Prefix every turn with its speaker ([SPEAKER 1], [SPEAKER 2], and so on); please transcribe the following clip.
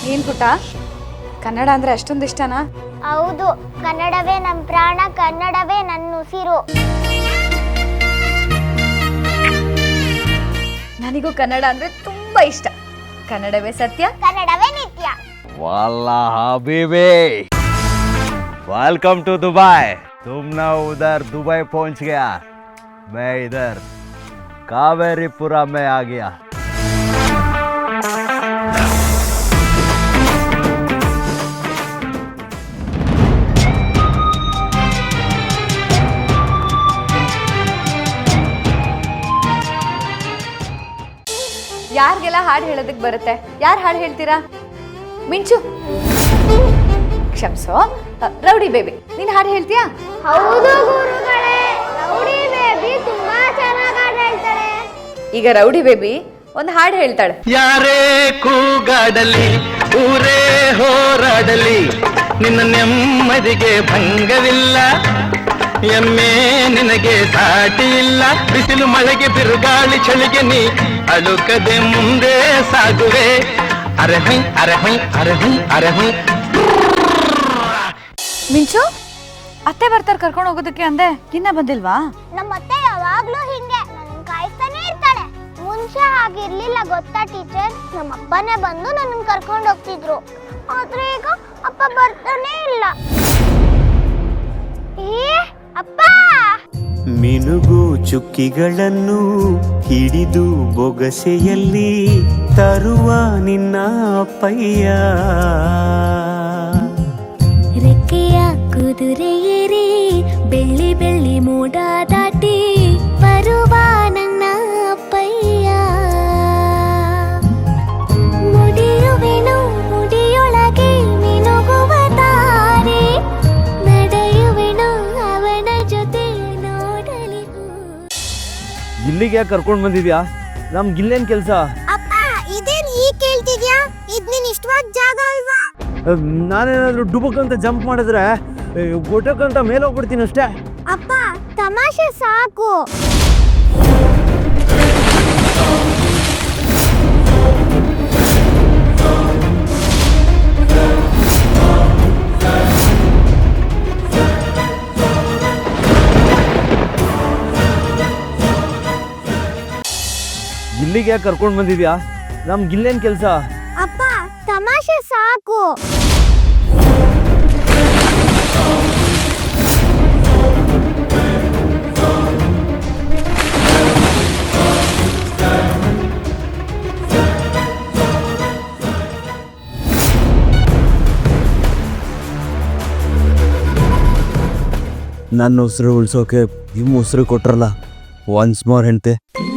[SPEAKER 1] ಏನ್ ಪುಟ ಕನ್ನಡ ಅಂದ್ರೆ ಅಷ್ಟೊಂದು ಇಷ್ಟನಾ?
[SPEAKER 2] ಹೌದು, ಕನ್ನಡವೇ ನಮ್ಮ ಪ್ರಾಣ, ಕನ್ನಡವೇ ನನ್ನ ಉಸಿರು.
[SPEAKER 1] ನನಗೂ ಕನ್ನಡ ಅಂದ್ರೆ ತುಂಬಾ ಇಷ್ಟ. ಕನ್ನಡವೇ ಸತ್ಯ,
[SPEAKER 2] ಕನ್ನಡವೇ ನಿತ್ಯ.
[SPEAKER 3] वाला हबीबी, वेलकम टू दुबई। तुम ना उधर दुबई पहुंच गया, मैं इधर कावेरीपुरा में आ गया।
[SPEAKER 1] ಯಾರಿಗೆಲ್ಲ ಹಾಡು ಹೇಳೋದಕ್ಕೆ ಬರುತ್ತೆ? ಯಾರು ಹಾಡು ಹೇಳ್ತೀರಾ? ಮಿಂಚು, ಕ್ಷಮ್ಸೋ. ರೌಡಿ ಬೇಬಿ, ನೀನು ಹಾಡು ಹೇಳ್ತೀಯಾ?
[SPEAKER 2] ಹೌದು ಗುರುಗಳೇ, ರೌಡಿ ಬೇಬಿ ತುಂಬಾ ಚೆನ್ನಾಗಿ ಹಾಡು ಹೇಳ್ತಾಳೆ.
[SPEAKER 1] ಈಗ ರೌಡಿ ಬೇಬಿ ಒಂದು ಹಾಡು ಹೇಳ್ತಾಳೆ.
[SPEAKER 4] ಯಾರೇ ಕೂಗಾಡಲಿ, ಊರೇ ಹೋರಾಡಲಿ, ನಿನ್ನ ನೆಮ್ಮದಿಗೆ ಭಂಗವಿಲ್ಲ. ಎಮ್ಮೆ ನಿನಗೆ ಸಾಟಿ ಇಲ್ಲ, ಬಿಸಿಲು ಮಳೆಗೆ ಬಿರುಗಾಳಿ ಚಳಿಗೆ ನೀ ಅಳುಕದೆ ಮುಂದೆ ಸಾಗುವೆ. ಅರೆ ಹೈ ಅರೆ ಹೈ ಅರೆ ಹೈ ಅರೆ ಹೈ.
[SPEAKER 1] ಮಿಂಚು, ಅತ್ತೆ ಬರ್ತಾರೆ ಕರ್ಕೊಂಡು ಹೋಗೋದಕ್ಕೆ ಅಂದೆ, ಇನ್ನ ಬಂದಿಲ್ವಾ?
[SPEAKER 2] ನಮ್ಮ ಅತ್ತೆ ಯಾವಾಗ್ಲೂ ಹಿಂಗೆ ನನ್ನ ಕಾಯ್ತಾನೆ ಇರ್ತಾಳೆ. ಮುಂಚೆ ಹಾಗಿರ್ಲಿಲ್ಲ ಗೊತ್ತಾ ಟೀಚರ್, ನಮ್ಮ ಅಪ್ಪನೇ ಬಂದು ನನ್ನ ಕರ್ಕೊಂಡು ಹೋಗ್ತಿದ್ರು. ಆದ್ರೆ ಈಗ ಅಪ್ಪ ಬರ್ತಾನೆ ಇಲ್ಲ. ಏ ಅಪ್ಪ!
[SPEAKER 5] ಮಿನುಗು ಚುಕ್ಕಿಗಳನ್ನು ಹಿಡಿದು ಬೊಗಸೆಯಲ್ಲಿ ತರುವ ನಿನ್ನ ಅಪ್ಪಯ್ಯ.
[SPEAKER 6] ರೆಕ್ಕೆಯ ಕುದುರೆಯೇರಿ ಬೆಳ್ಳಿ ಬೆಳ್ಳಿ ಮೋಡ ದಾಟಿ ಬರುವ ನನ್ನ ಅಪ್ಪಯ್ಯ. ಮುಡಿಯುವೆನು ಮುಡಿಯೊಳಗೆ ಮಿನುಗುವ ತಾರೆ, ನಡೆಯುವೆನು ಅವನ ಜೊತೆ ನೋಡಲಿಗೂ.
[SPEAKER 3] ಇಲ್ಲಿಗೆ ಯಾಕೆ ಕರ್ಕೊಂಡು ಬಂದಿದ್ಯಾ? ನಮ್ಗಿಲ್ಲೇನು ಕೆಲಸ?
[SPEAKER 2] ಅಪ್ಪ, ಇದೇನ್ ಈ ಕೇಳ್ತಿದ್ಯಾ? ಇದ್ ನಿನ್ ಇಷ್ಟವಾದ ಜಾಗ ಅಲ್ವಾ?
[SPEAKER 3] ನಾನೇನಾದ್ರೂ ಡುಬಕ್ ಅಂತ ಜಂಪ್ ಮಾಡಿದ್ರೆ ಗೊಟ್ಟಕ್ಕಂತ ಮೇಲೆ ಹೋಗ್ಬಿಡ್ತೀನಿ ಅಷ್ಟೇ.
[SPEAKER 2] ಅಪ್ಪ, ತಮಾಷೆ ಸಾಕು.
[SPEAKER 3] ಇಲ್ಲಿಗೆ ಯಾಕೆ ಕರ್ಕೊಂಡು ಬಂದಿದ್ಯಾ? ನಮ್ಗಿಲ್ಲೇನು ಕೆಲಸ?
[SPEAKER 2] ಅಪ್ಪ, ತಮಾಷೆ ಸಾಕು.
[SPEAKER 3] ನನ್ನ ಉಸಿರು ಉಳ್ಸೋಕೆ ನಿಮ್ಮ ಉಸಿರು ಕೊಟ್ರಲ್ಲ, ಒನ್ಸ್ ಮೋರ್ ಹೆಂಡ್ತೆ.